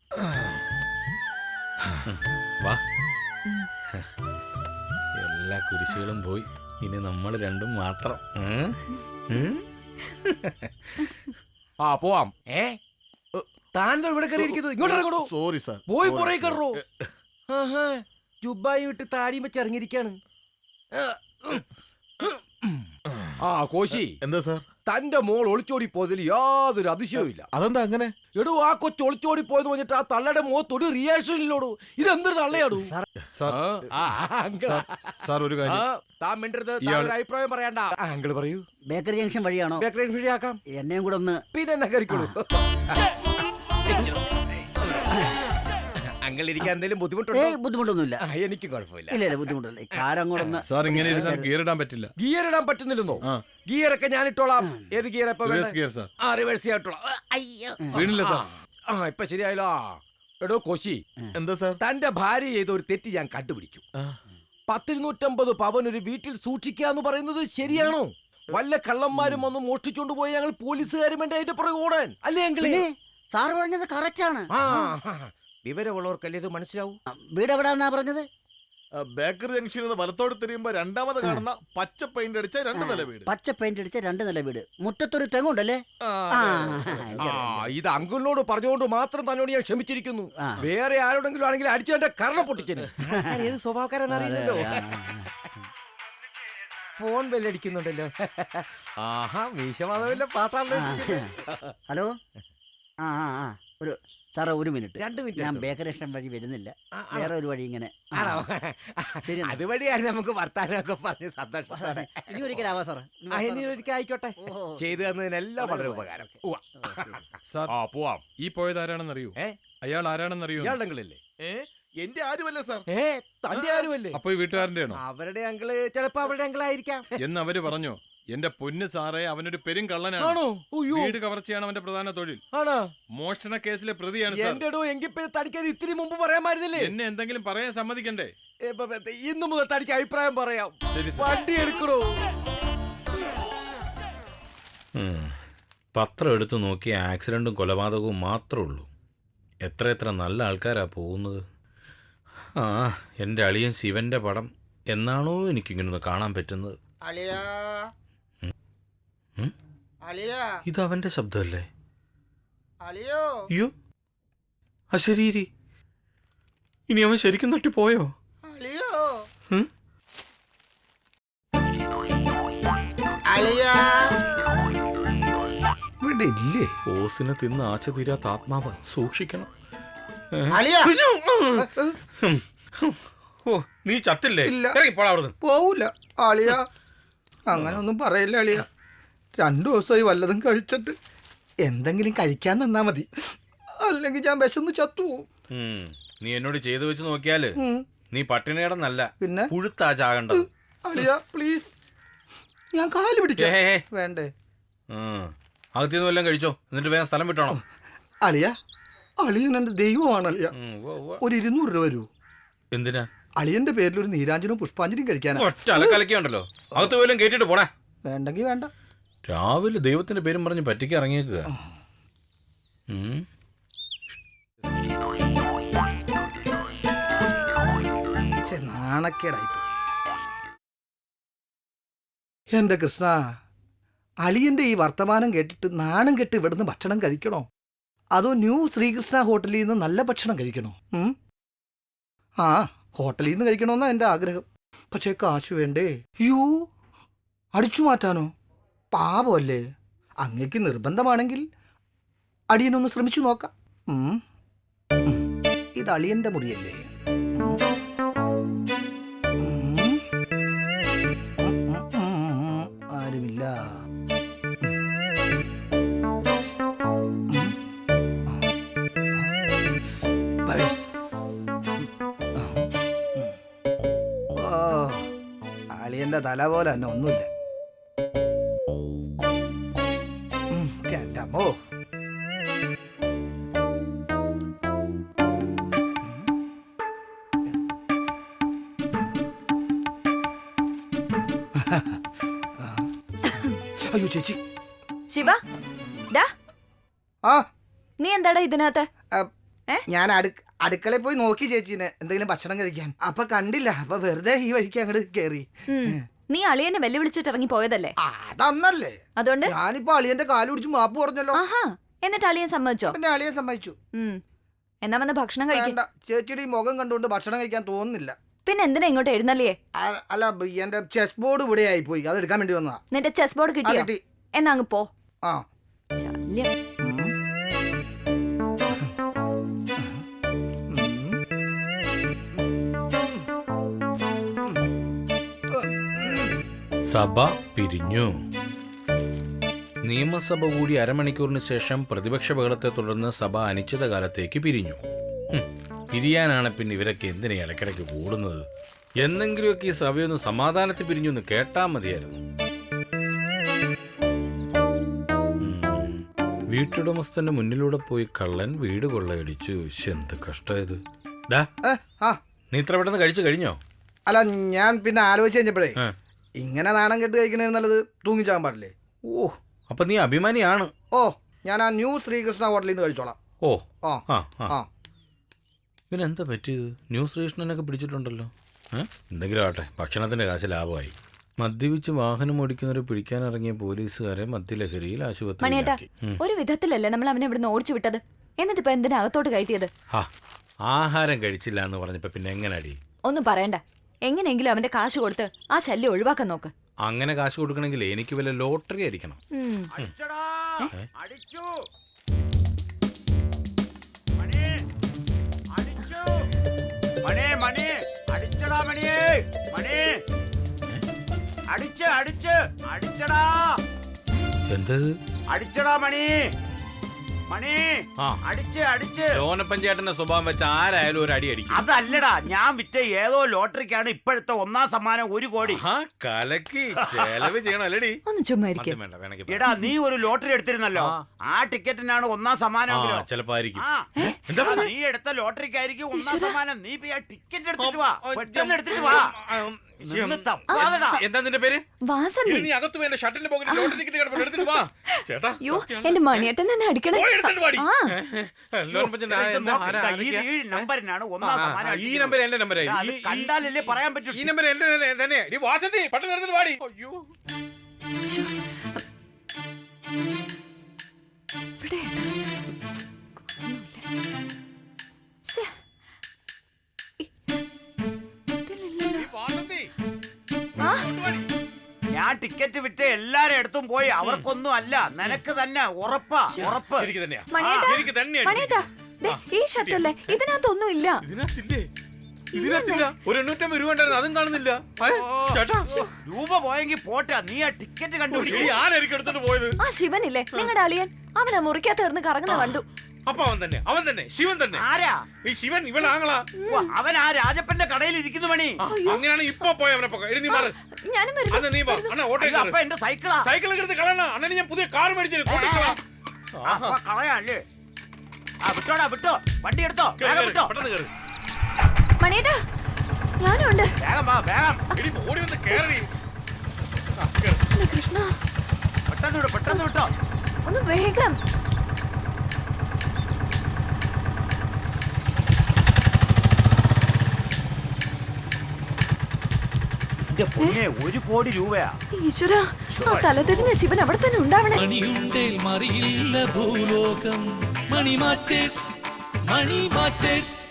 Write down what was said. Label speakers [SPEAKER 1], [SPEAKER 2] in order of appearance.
[SPEAKER 1] വാ. എല്ലാ കുരിശുകളും പോയി, ഇനി നമ്മൾ രണ്ടും മാത്രം.
[SPEAKER 2] ആ പോവാം. താൻ ഇവിടെ കയറിയിരിക്കുന്നത് ഇങ്ങോട്ടോ?
[SPEAKER 3] Sorry sir.
[SPEAKER 2] പോയി പുറകെ കയറോ? ജുബായി വിട്ട് താടിയും വെച്ച് ഇറങ്ങിയിരിക്കാണ്. ആ കോശി,
[SPEAKER 3] എന്താ സാർ?
[SPEAKER 2] തന്റെ മോൾ ഒളിച്ചോടി പോയതിൽ യാതൊരു അതിശയവും ഇല്ല.
[SPEAKER 3] അതെന്താ അങ്ങനെ?
[SPEAKER 2] എടോ, ആ കൊച്ചു ഒളിച്ചോടി പോയെന്ന് പറഞ്ഞിട്ട് ആ തള്ളയുടെ മുഖത്തൊരു റിയാക്ഷൻ ഇല്ലോടൂ. ഇതെന്തൊരു തള്ളയാടൂ?
[SPEAKER 3] സാർ ഒരു കാര്യം,
[SPEAKER 2] താൻ മിണ്ടരുത്. അഭിപ്രായം പറയണ്ട. അങ്കിള് പറയൂ.
[SPEAKER 4] ബേക്കറി ജംഗ്ഷൻ വഴിയാണോ?
[SPEAKER 2] ബേക്കറി ജംഗ്ഷൻ വഴിയാക്കാം.
[SPEAKER 4] എന്നെയും കൂടെ ഒന്ന്.
[SPEAKER 2] പിന്നെ എന്നെ കയറിക്കോളൂ. അങ്കിൾ ഇരിക്കാൻ എന്തെങ്കിലും ബുദ്ധിമുട്ടുണ്ടോ?
[SPEAKER 4] ബുദ്ധിമുട്ടൊന്നുമില്ല.
[SPEAKER 2] എനിക്ക് കുഴപ്പമില്ല.
[SPEAKER 4] ഇല്ല ബുദ്ധിമുട്ടില്ല. കാരങ്ങോടൊന്ന്.
[SPEAKER 3] സാർ ഇങ്ങനെ ഇരുന്നാൽ ഗിയർ ഇടാൻ പറ്റില്ല.
[SPEAKER 2] ഗിയർ ഇടാൻ പറ്റുന്നില്ലെന്നോ? ഗിയറൊക്കെ ഞാൻ ഇട്ടോളാം. ഏത് ഗിയർ? റിവേഴ്സ് ചെയ്യാട്ടോളാം.
[SPEAKER 3] വീണില്ല സാർ.
[SPEAKER 2] ഇപ്പൊ ശരിയായല്ലോ. എടോ കോശി,
[SPEAKER 3] എന്താ സാർ?
[SPEAKER 2] തന്റെ ഭാര്യ ചെയ്ത ഒരു തെറ്റ് ഞാൻ കണ്ടുപിടിച്ചു. 10-250 പവൻ ഒരു വീട്ടിൽ സൂക്ഷിക്കാന്ന് പറയുന്നത് ശരിയാണോ? വല്ല കള്ളന്മാരും വന്ന് മോഷ്ടിച്ചോണ്ട് പോയി ഞങ്ങൾ പോലീസുകാരും വേണ്ടി അതിന്റെ പുറകെ ഓടാൻ അല്ലേ അങ്കിളേ?
[SPEAKER 4] സാർ പറഞ്ഞത് കറക്റ്റ് ആണ്.
[SPEAKER 2] വിവരമുള്ളവർക്കല്ലേ ഇത് മനസ്സിലാവും.
[SPEAKER 4] വീട് എവിടാന്നാ പറഞ്ഞത്?
[SPEAKER 3] ബേക്കറി ജംഗ്ഷനിൽ നിന്ന് വലത്തോട് തിരിയുമ്പോ രണ്ടാമത് കാണുന്ന പച്ച പെയിന്റ് അടിച്ച 2 നില വീട്.
[SPEAKER 4] പച്ച പെയിന്റ് അടിച്ച 2 നില വീട്. മുറ്റത്തൊരു തെങ്ങുണ്ടല്ലേ?
[SPEAKER 2] ഇത് അങ്കിളിനോട് പറഞ്ഞുകൊണ്ട് മാത്രം തന്നോട് ഞാൻ ക്ഷമിച്ചിരിക്കുന്നു. വേറെ ആരോടെങ്കിലും ആണെങ്കിൽ അടിച്ചു എന്റെ കർണ പൊട്ടിച്ചേനെ. ഏത് സ്വഭാവക്കാരെന്നറിയില്ലല്ലോ. ഫോൺ ബെല്ലടിക്കുന്നുണ്ടല്ലോ. ആഹാ, മീശമാധവന്റെ പാട്ടാണല്ലോ.
[SPEAKER 4] ഹലോ. ഒരു സാറേ, 1 മിനിറ്റ്.
[SPEAKER 2] 2 മിനിറ്റ്.
[SPEAKER 4] ഞാൻ ബേക്കറി ജംഗ്ഷൻ വഴി വരുന്നില്ല. വേറെ ഒരു വഴി ഇങ്ങനെ.
[SPEAKER 2] ശരി, അതുവഴിയായിരുന്നു നമുക്ക് വർത്താനമൊക്കെ പറഞ്ഞ് സന്തോഷം.
[SPEAKER 4] ഇനി ഒരിക്കലാവാ സാർ.
[SPEAKER 2] ഇനി ഒരിക്കൽ ആയിക്കോട്ടെ. ചെയ്തു തന്നതിനെല്ലാം വളരെ ഉപകാരം.
[SPEAKER 3] സാർ
[SPEAKER 2] പോവാം.
[SPEAKER 3] ഈ പോയത് ആരാണെന്നറിയൂ? അയാൾ ആരാണെന്നറിയൂ?
[SPEAKER 2] ഇയാളുടെങ്കിലല്ലേ?
[SPEAKER 3] എന്റെ ആരുമല്ല സാർ.
[SPEAKER 2] തന്റെ ആരുമല്ലേ?
[SPEAKER 3] അപ്പൊ ഈ വീട്ടുകാരന്റെ ആണോ?
[SPEAKER 2] അവരുടെ അങ്കിള് ചിലപ്പോ അവരുടെ അങ്കിളായിരിക്കാം
[SPEAKER 3] എന്ന് അവര് പറഞ്ഞോ? എന്റെ പൊന്ന് സാറേ, അവനൊരു പെരും കള്ളനാണ്. വീട് കവർച്ചയാണ് അവന്റെ പ്രധാന തൊഴിൽ. മോഷണ കേസിലെ പ്രതിയാണ് സാർ.
[SPEAKER 2] എങ്കിൽ തനിക്കത് ഇത്തിരി മുമ്പ് പറയാമായിരുന്നില്ലേ?
[SPEAKER 3] എന്നെ എന്തെങ്കിലും പറയാൻ സമ്മതിക്കണ്ടേ?
[SPEAKER 2] ഇന്നു മുതൽ തനിക്ക് അഭിപ്രായം പറയാം. വണ്ടി എടുക്കണോ?
[SPEAKER 1] പത്രം എടുത്തു നോക്കിയ ആക്സിഡന്റും കൊലപാതകവും മാത്രമേ ഉള്ളൂ. എത്ര നല്ല ആൾക്കാരാ പോകുന്നത്. എൻ്റെ അളിയൻ ശിവന്റെ പടം എന്നാണോ എനിക്കിങ്ങനൊന്ന് കാണാൻ പറ്റുന്നത്. ഇത് അവന്റെ ശബ്ദമല്ലേ? അയ്യോ, ശരി. ഇനി അവൻ ശരിക്കും തട്ടിപ്പോയോ? ഇവിടെ ഇല്ലേ? ഓസിനെ തിന്ന് ആശ തീരാത്ത ആത്മാവ്, സൂക്ഷിക്കണം. നീ ചത്തില്ലേ?
[SPEAKER 5] പോവൂല അളിയ. അങ്ങനെ ഒന്നും പറയില്ല അളിയ. 2 ദിവസമായി വല്ലതും കഴിച്ചിട്ട്. എന്തെങ്കിലും കഴിക്കാൻ നിന്നാ മതി, അല്ലെങ്കിൽ ഞാൻ വിശന്ന് ചത്തുപോകും.
[SPEAKER 1] നീ എന്നോട് ചെയ്തു വെച്ച് നോക്കിയാല് നീ പട്ടിണിയടന്നല്ല,
[SPEAKER 5] പിന്നെ
[SPEAKER 1] പുഴുത്താ ചാകണ്ടത്.
[SPEAKER 5] അളിയ പ്ലീസ്, ഞാൻ കാല് പിടിക്കാം. വേണ്ടേ?
[SPEAKER 1] അകത്തിന്ന് വല്ലതും കഴിച്ചോ, എന്നിട്ട് വേഗം സ്ഥലം വിട്ടോണം.
[SPEAKER 5] അളിയ, അളിയൻ എന്റെ ദൈവമാണ് അളിയ. ഒരു 200 രൂപ വരൂ.
[SPEAKER 1] എന്തിനാ?
[SPEAKER 5] അളിയന്റെ പേരിൽ ഒരു നീരാഞ്ജനും പുഷ്പാഞ്ജലിയും കഴിക്കാനാ.
[SPEAKER 1] ഒറ്റ അലക്കലക്കുണ്ടല്ലോ, അകത്ത് പോലും കേട്ടിട്ട് പോടാ.
[SPEAKER 5] വേണ്ടെങ്കി വേണ്ട.
[SPEAKER 1] രാവിലെ ദൈവത്തിന്റെ പേരും പറഞ്ഞ് പറ്റിക്ക് ഇറങ്ങിയേക്കുക.
[SPEAKER 5] നാണക്കേടായി. എന്റെ കൃഷ്ണ, അളിയന്റെ ഈ വർത്തമാനം കേട്ടിട്ട് നാണം കെട്ട് ഇവിടുന്ന് ഭക്ഷണം കഴിക്കണോ, അതോ ന്യൂ ശ്രീകൃഷ്ണ ഹോട്ടലിൽ നിന്ന് നല്ല ഭക്ഷണം കഴിക്കണോ? ഹോട്ടലിൽ നിന്ന് കഴിക്കണമെന്നാ എൻ്റെ ആഗ്രഹം. പക്ഷേ കാശ് വേണ്ടേ? യൂ, അടിച്ചു മാറ്റാനോ? പാവമല്ലേ? അങ്ങേക്ക് നിർബന്ധമാണെങ്കിൽ അടിയനൊന്ന് ശ്രമിച്ചു നോക്കാം. ഇത് അളിയന്റെ മുറിയല്ലേ? ആരുമില്ല. അളിയന്റെ തല പോലെ തന്നെ ഒന്നുമില്ല. ഓ, അയ്യോ ചേച്ചി.
[SPEAKER 6] ശിവ, നീ എന്താടാ ഇതിനകത്ത്?
[SPEAKER 5] ഞാൻ അടുക്കളയിൽ പോയി നോക്കി ചേച്ചീനെ എന്തെങ്കിലും ഭക്ഷണം കഴിക്കാൻ. അപ്പൊ കണ്ടില്ല. അപ്പൊ വെറുതെ ഈ വഴിക്ക് അങ്ങോട്ട് കേറി.
[SPEAKER 6] നീ അളിയനെ വെല്ലുവിളിച്ചിട്ട് ഇറങ്ങി പോയതല്ലേ?
[SPEAKER 5] അതന്നല്ലേ.
[SPEAKER 6] അതുകൊണ്ട്
[SPEAKER 5] ഞാനിപ്പോ അളിയന്റെ കാല് പിടിച്ച് മാപ്പ് പറഞ്ഞല്ലോ.
[SPEAKER 6] ആഹാ, എന്നിട്ട് അളിയൻ സമ്മതിച്ചോ?
[SPEAKER 5] എന്റെ അളിയൻ സമ്മതിച്ചു.
[SPEAKER 6] എന്നാ വന്ന് ഭക്ഷണം കഴിക്കും.
[SPEAKER 5] വേണ്ട, ചേച്ചിയുടെ ഈ മുഖം കണ്ടുകൊണ്ട് ഭക്ഷണം കഴിക്കാൻ തോന്നുന്നില്ല.
[SPEAKER 6] പിന്നെ എന്തിനാ ഇങ്ങോട്ട് എഴുന്നള്ളിയേ?
[SPEAKER 5] അല്ല, എന്റെ ചെസ് ബോർഡ് ഇവിടെ ആയി പോയി, അത് എടുക്കാൻ വേണ്ടി വന്നതാ.
[SPEAKER 6] നിന്റെ ചെസ് ബോർഡ് കിട്ടിയോ?
[SPEAKER 5] കിട്ടി.
[SPEAKER 6] എന്നാ അങ്ങ് പോ.
[SPEAKER 5] ആ
[SPEAKER 6] ശല്യം.
[SPEAKER 1] സഭ പിരിഞ്ഞു. നിയമസഭ കൂടി അരമണിക്കൂറിന് ശേഷം പ്രതിപക്ഷ ബഹളത്തെ തുടർന്ന് സഭ അനിശ്ചിതകാലത്തേക്ക് പിരിഞ്ഞു. പിരിയാനാണ് പിന്നെ ഇവരൊക്കെ എന്തിനാ ഇടയ്ക്കിടയ്ക്ക് കൂടുന്നത്? എന്തെങ്കിലുമൊക്കെ ഈ സഭയൊന്ന് സമാധാനത്തിൽ പിരിഞ്ഞു എന്ന് കേട്ടാ മതിയായിരുന്നു. വീട്ടുടമസ്ഥന്റെ മുന്നിലൂടെ പോയി കള്ളൻ വീട് കൊള്ളയടിച്ചു. എന്ത് കഷ്ടമായത്. നീ ഇത്ര പെട്ടെന്ന് കഴിച്ചു കഴിഞ്ഞോ?
[SPEAKER 5] അല്ല, ഞാൻ പിന്നെ ആലോചിച്ച് കഴിഞ്ഞപ്പോഴേ ഇങ്ങനെ നാണം കെട്ട് കഴിക്കണേ നല്ലത് തൂങ്ങിച്ചാകാൻ പാടില്ലേ.
[SPEAKER 1] ഓ, അപ്പൊ നീ അഭിമാനിയാണ്.
[SPEAKER 5] ഓ, ഞാൻ ആ ന്യൂ ശ്രീകൃഷ്ണ ഹോട്ടലിൽ നിന്ന് കഴിച്ചോളാം.
[SPEAKER 1] ഓ
[SPEAKER 5] ആ.
[SPEAKER 1] പിന്നെ എന്താ പറ്റിയത്? ന്യൂ ശ്രീകൃഷ്ണനൊക്കെ പിടിച്ചിട്ടുണ്ടല്ലോ. എന്തെങ്കിലും ആട്ടെ, ഭക്ഷണത്തിന്റെ കാശ് ലാഭമായി. മദ്യപിച്ച് വാഹനം ഓടിക്കുന്നവരെ പിടിക്കാനിറങ്ങിയ പോലീസുകാരെ മദ്യലഹരിയിൽ ആശുപത്രിയിലാക്കി.
[SPEAKER 6] ഒരു വിധത്തിലല്ലേ നമ്മൾ അവനെ ഇവിടുന്ന് ഓടിച്ചു വിട്ടത്? എന്നിട്ട് ഇപ്പൊ എന്തിനാ അകത്തോട്ട് കയറ്റിയത്?
[SPEAKER 1] ആഹാരം കഴിച്ചില്ല എന്ന് പറഞ്ഞപ്പോ പിന്നെ എങ്ങനെ അടി?
[SPEAKER 6] ഒന്നും പറയണ്ട. എങ്ങനെയെങ്കിലും അവന്റെ കാശ് കൊടുത്ത് ആ ശല്യം ഒഴിവാക്കാൻ നോക്ക്.
[SPEAKER 1] അങ്ങനെ കാശ് കൊടുക്കണമെങ്കിൽ എനിക്ക് വല്ല ലോട്ടറി അടിക്കണം. എന്തത്?
[SPEAKER 7] അടിച്ചടാ മണി, മണി,
[SPEAKER 1] ലോനപ്പഞ്ചേട്ടന്റെ സ്വഭാവം വെച്ച് ആരായാലും ഒരു അടി അടിക്കും.
[SPEAKER 7] അതല്ലടാ, ഞാൻ വിറ്റ ഏതോ ലോട്ടറിക്കാണ് ഇപ്പോഴത്തെ 1ാം സമ്മാനം 1 കോടി.
[SPEAKER 1] കലക്കി ചെലവ് ചെയ്യണം അല്ലേടി?
[SPEAKER 6] ഒന്ന് ചുമ്മാരിക്കും.
[SPEAKER 7] എടാ, നീ ഒരു ലോട്ടറി എടുത്തിരുന്നല്ലോ. ആ ടിക്കറ്റിനാണ് 1ാം സമ്മാനം.
[SPEAKER 1] ചിലപ്പോ ആയിരിക്കും.
[SPEAKER 7] നീ എടുത്ത ലോട്ടറിക്കായിരിക്കും 1ാം സമ്മാനം. നീ ആ ടിക്കറ്റ് എടുത്തിട്ട് വാ, പെട്ടെന്ന് എടുത്തിട്ട് വാ.
[SPEAKER 1] എന്താ നിന്റെ പേര്?
[SPEAKER 6] വാസന്തി.
[SPEAKER 1] നീ അകത്ത് പോയി എന്റെ ഷർട്ടിന്റെ പോക്കറ്റിൽ ലോട്ടറി ടിക്കറ്റ് കിടപ്പുണ്ട്, എടുത്തിട്ട് വാ. ചേട്ടാ,
[SPEAKER 6] അയ്യോ, എന്റെ മണിയേട്ടൻ എന്നെ അടിക്കണേ.
[SPEAKER 7] ഈ നമ്പറിനാണ് 1ാം സമ്മാനം.
[SPEAKER 1] ഈ നമ്പർ എന്റെ നമ്പരായി.
[SPEAKER 7] കണ്ടാലല്ലേ പറയാൻ പറ്റൂ.
[SPEAKER 1] ഈ നമ്പർ എന്റെ തന്നെ. വാസന്തി, പെട്ടെന്ന് എടുത്തിട്ട് വാടി. അയ്യോ,
[SPEAKER 7] ഞാൻ ടിക്കറ്റ് വിറ്റ് എല്ലാരും അടുത്തും പോയി. അവർക്കൊന്നും അല്ല, നിനക്ക് തന്നെ. ഉറപ്പാ, ഉറപ്പ്.
[SPEAKER 6] മണിയേട്ടാ, ഈ ഷർട്ടല്ലേ, ഇതിനകത്തൊന്നും ഇല്ല.
[SPEAKER 1] ഇതിനകത്തില്ല. ഒരു 850 രൂപ ഉണ്ടായിരുന്നു, അതും കാണുന്നില്ല.
[SPEAKER 7] രൂപ പോയെങ്കിൽ പോട്ടെ, നീ ആ ടിക്കറ്റ് കണ്ടുപിടിക്കും.
[SPEAKER 1] ആരായിരിക്കും എടുത്തിട്ട് പോയത്?
[SPEAKER 6] ആ ശിവനില്ലേ, നിങ്ങളുടെ അളിയൻ. അവനാ മുറിക്കകത്ത് കിടന്ന് കറങ്ങുന്ന കണ്ടു.
[SPEAKER 1] അപ്പൊ അവൻ തന്നെ ശിവൻ തന്നെ.
[SPEAKER 7] ആരാ
[SPEAKER 1] ഈ ശിവൻ? ഇവളാങ്ങളാ.
[SPEAKER 7] അവൻ ആ രാജപ്പന്റെ കടയിൽ ഇരിക്കുന്നു മണി.
[SPEAKER 1] അങ്ങനെയാണ് ഇപ്പൊ പോയ അവനെ പൊക്ക. നീ മാറ്.
[SPEAKER 6] ഞാനും
[SPEAKER 1] നീ വാ അണ്ണാ, ഓട്ടോ.
[SPEAKER 7] അപ്പൊ എന്റെ സൈക്കിളാ.
[SPEAKER 1] സൈക്കിൾ എടുത്ത് കളയണ അണ്ണന്. ഞാൻ പുതിയ കാർ മേടിച്ചു.
[SPEAKER 7] കളയാല്ലേ? വിട്ടോടാ, വിട്ടോ. വണ്ടി എടുത്തോ, വിട്ടോ.
[SPEAKER 1] പെട്ടെന്ന് കയറി.
[SPEAKER 6] മണിയേട്ടാ, ഞാനും ഉണ്ട്.
[SPEAKER 7] വേഗം വാ, വേഗം.
[SPEAKER 1] ഓടി വന്ന് കയറി.
[SPEAKER 6] കൃഷ്ണ,
[SPEAKER 7] പെട്ടെന്ന് വിട്ടോ, പെട്ടെന്ന് വിട്ടോ.
[SPEAKER 6] ഒന്ന് വേഗം.
[SPEAKER 7] പൊന്നെ, 1 കോടി രൂപയാ.
[SPEAKER 6] ഈശ്വര, ആ തലതിരിഞ്ഞ ശിവൻ അവിടെ തന്നെ ഉണ്ടാവണേ.
[SPEAKER 8] മണിയുണ്ടേൽ മറിയില്ല ഭൂലോകം. Money matters, money matters.